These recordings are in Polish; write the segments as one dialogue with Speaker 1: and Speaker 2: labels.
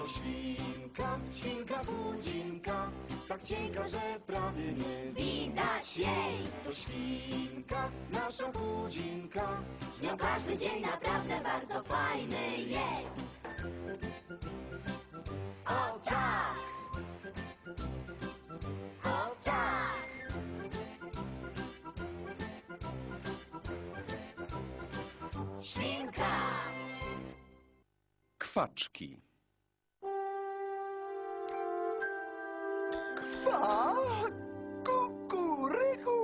Speaker 1: To świnka, świnka budzinka, tak cienka, że prawie nie
Speaker 2: Widać jej.
Speaker 1: To świnka, nasza budzinka,
Speaker 2: Z nią każdy dzień naprawdę bardzo fajny jest. O tak! O tak! Świnka!
Speaker 3: Kwaczki.
Speaker 4: Kwa, kukuryku.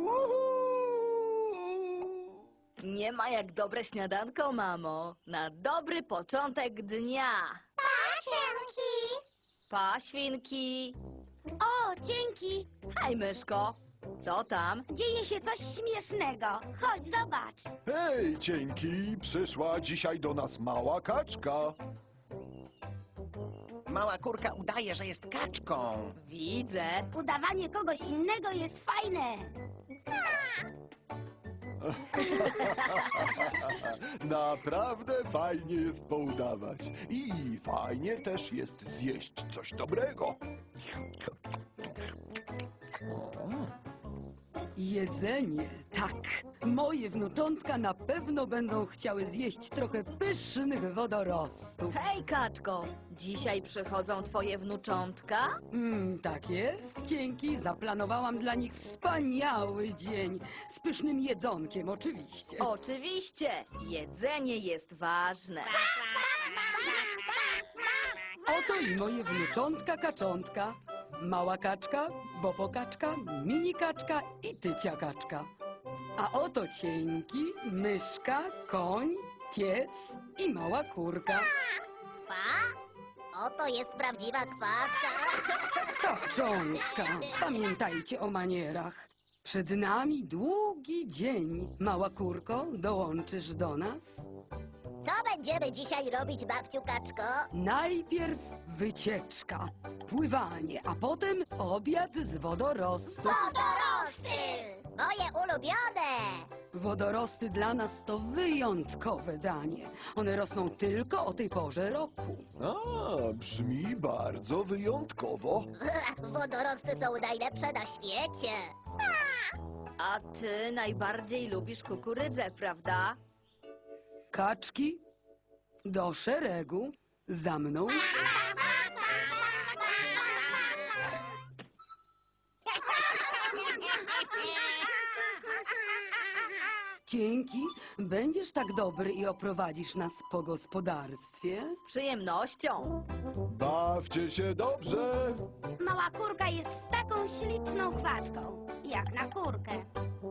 Speaker 5: Nie ma jak dobre śniadanko, mamo. Na dobry początek dnia.
Speaker 2: Pasienki!
Speaker 5: Pa, świnki.
Speaker 2: O, dzięki!
Speaker 5: Hej, myszko. Co tam?
Speaker 2: Dzieje się coś śmiesznego. Chodź, zobacz.
Speaker 4: Hej, cienki, przyszła dzisiaj do nas mała kaczka.
Speaker 6: Mała kurka udaje, że jest kaczką.
Speaker 5: Widzę.
Speaker 2: Udawanie kogoś innego jest fajne.
Speaker 4: Naprawdę fajnie jest poudawać. I fajnie też jest zjeść coś dobrego.
Speaker 7: Jedzenie, tak. Moje wnuczątka na pewno będą chciały zjeść trochę pysznych wodorostów.
Speaker 5: Hej, kaczko. Dzisiaj przychodzą twoje wnuczątka?
Speaker 7: Tak jest. Dzięki. Zaplanowałam dla nich wspaniały dzień. Z pysznym jedzonkiem, oczywiście.
Speaker 5: Oczywiście. Jedzenie jest ważne.
Speaker 7: Oto i moje wnuczątka kaczątka. Mała kaczka, bobo kaczka, mini kaczka i tycia kaczka. A oto cienki, myszka, koń, pies i mała kurka.
Speaker 2: Kwa? Oto jest prawdziwa kwaczka.
Speaker 7: Kaczątka, pamiętajcie o manierach. Przed nami długi dzień. Mała kurko, dołączysz do nas?
Speaker 2: Co będziemy dzisiaj robić, babciu kaczko?
Speaker 7: Najpierw wycieczka, pływanie, a potem obiad z wodorostów.
Speaker 2: Wodorosty! Moje ulubione!
Speaker 7: Wodorosty dla nas to wyjątkowe danie. One rosną tylko o tej porze roku.
Speaker 4: A, brzmi bardzo wyjątkowo.
Speaker 2: Wodorosty są najlepsze na świecie.
Speaker 5: A ty najbardziej lubisz kukurydzę, prawda?
Speaker 7: Kaczki, do szeregu, za mną. Dzięki, będziesz tak dobry i oprowadzisz nas po gospodarstwie.
Speaker 5: Z przyjemnością.
Speaker 4: Bawcie się dobrze.
Speaker 2: Mała kurka jest taką śliczną kwaczką, jak na kurkę.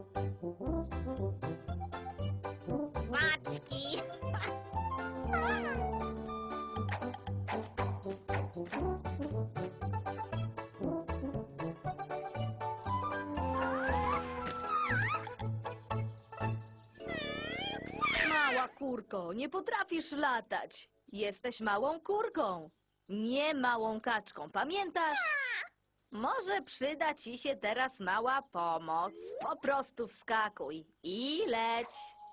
Speaker 2: Kwaczki!
Speaker 5: Mała kurko, nie potrafisz latać. Jesteś małą kurką, nie małą kaczką, pamiętasz? Może przyda ci się teraz mała pomoc. Po prostu wskakuj i leć.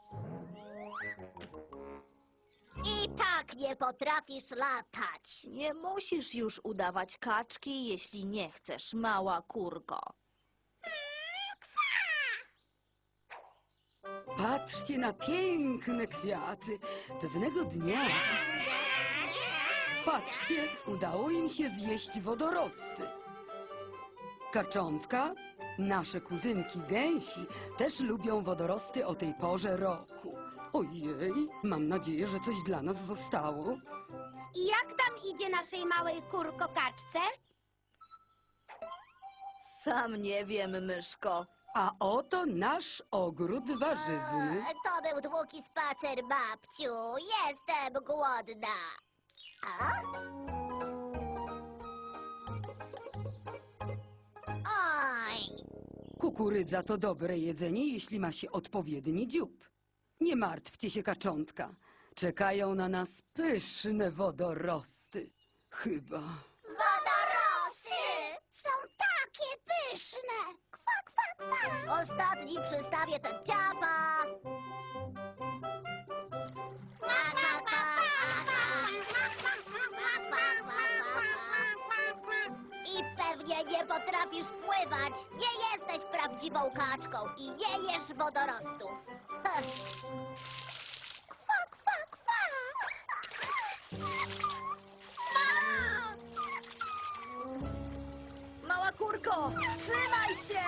Speaker 2: I tak nie potrafisz latać.
Speaker 5: Nie musisz już udawać kaczki, jeśli nie chcesz, mała kurko.
Speaker 7: Patrzcie na piękne kwiaty. Pewnego dnia... Patrzcie, udało im się zjeść wodorosty. Kaczątka, nasze kuzynki gęsi, też lubią wodorosty o tej porze roku. Ojej, mam nadzieję, że coś dla nas zostało.
Speaker 2: I jak tam idzie naszej małej kurko-kaczce?
Speaker 5: Sam nie wiem, myszko.
Speaker 7: A oto nasz ogród warzywny.
Speaker 2: To był długi spacer, babciu. Jestem głodna. A? Oj!
Speaker 7: Kukurydza to dobre jedzenie, jeśli ma się odpowiedni dziób. Nie martwcie się, kaczątka. Czekają na nas pyszne wodorosty. Chyba.
Speaker 2: Wodorosty! Są takie pyszne! Kwa, kwa, kwa! Ostatni przystawię ten ciapa! Kwa, kwa, kwa, kwa, kwa. Kwa, kwa, kwa. Pewnie nie potrafisz pływać. Nie jesteś prawdziwą kaczką i nie jesz wodorostów. Heh. Kwa, kwa, kwa.
Speaker 5: Mała kurko, trzymaj się!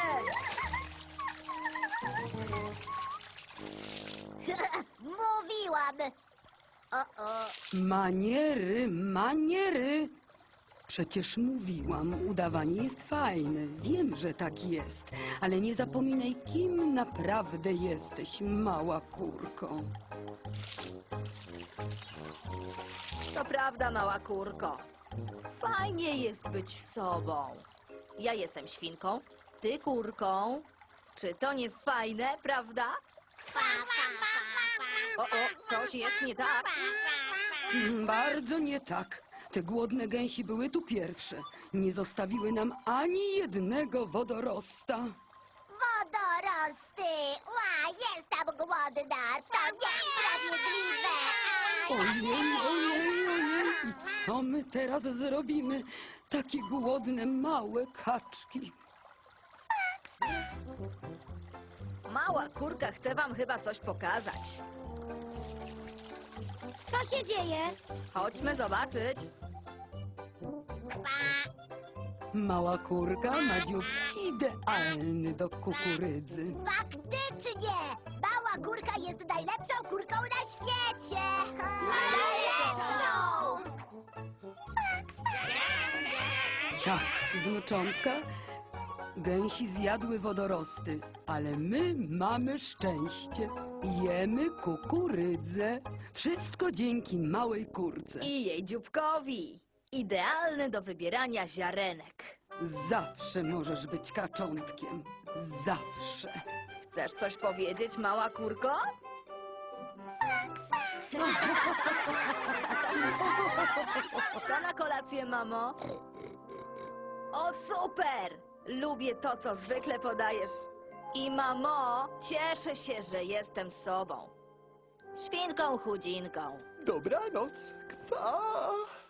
Speaker 2: Mówiłam. O.
Speaker 7: Maniery, maniery. Przecież mówiłam, udawanie jest fajne. Wiem, że tak jest. Ale nie zapominaj, kim naprawdę jesteś, mała kurko.
Speaker 5: To prawda, mała kurko. Fajnie jest być sobą. Ja jestem świnką, ty kurką. Czy to nie fajne, prawda? O, coś jest nie tak.
Speaker 7: Bardzo nie tak. Te głodne gęsi były tu pierwsze. Nie zostawiły nam ani jednego wodorosta.
Speaker 2: Wodorosty. Jestem głodna. To niesprawiedliwe.
Speaker 7: Ojej. I co my teraz zrobimy? Takie głodne, małe kaczki.
Speaker 5: Mała kurka chce wam chyba coś pokazać.
Speaker 2: Co się dzieje?
Speaker 5: Chodźmy zobaczyć.
Speaker 7: Mała kurka ma dziób idealny do kukurydzy.
Speaker 2: Faktycznie! Mała kurka jest najlepszą kurką na świecie! Najlepszą!
Speaker 7: Tak, wnuczątka, gęsi zjadły wodorosty, ale my mamy szczęście. Jemy kukurydzę. Wszystko dzięki małej kurce.
Speaker 5: I jej dzióbkowi. Idealny do wybierania ziarenek.
Speaker 7: Zawsze możesz być kaczątkiem. Zawsze.
Speaker 5: Chcesz coś powiedzieć, mała kurko? Co na kolację, mamo? O, super! Lubię to, co zwykle podajesz. I mamo, cieszę się, że jestem sobą. Świnką chudzinką.
Speaker 4: Dobranoc. Kwa.